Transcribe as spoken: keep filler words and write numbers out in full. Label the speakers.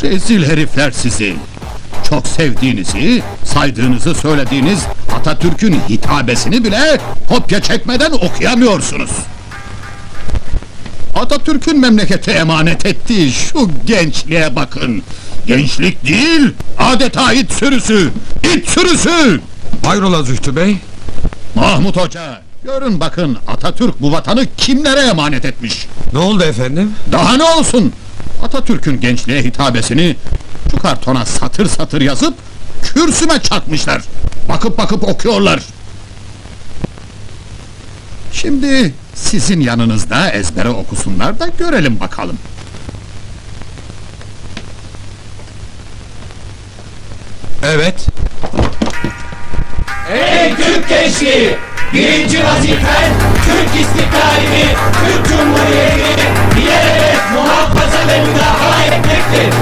Speaker 1: Rezil herifler sizi! Çok sevdiğinizi, saydığınızı söylediğiniz Atatürk'ün hitabesini bile kopya çekmeden okuyamıyorsunuz. Atatürk'ün memlekete emanet ettiği şu gençliğe bakın! Gençlik değil, adeta it sürüsü! İt sürüsü!
Speaker 2: Hayrola Zühtü Bey?
Speaker 1: Mahmut Hoca, görün bakın Atatürk bu vatanı kimlere emanet etmiş?
Speaker 2: Ne oldu efendim?
Speaker 1: Daha ne olsun? Atatürk'ün gençliğe hitabesini şu kartona satır satır yazıp kürsüme çakmışlar. Bakıp bakıp okuyorlar. Şimdi sizin yanınızda ezbere okusunlar da görelim bakalım.
Speaker 2: Evet.
Speaker 3: Ey Türk gençliği! Birinci vazifen Türk istiklalini, Türk Cumhuriyeti'ni ilelebet muhafaza ve müdafaa etmektir.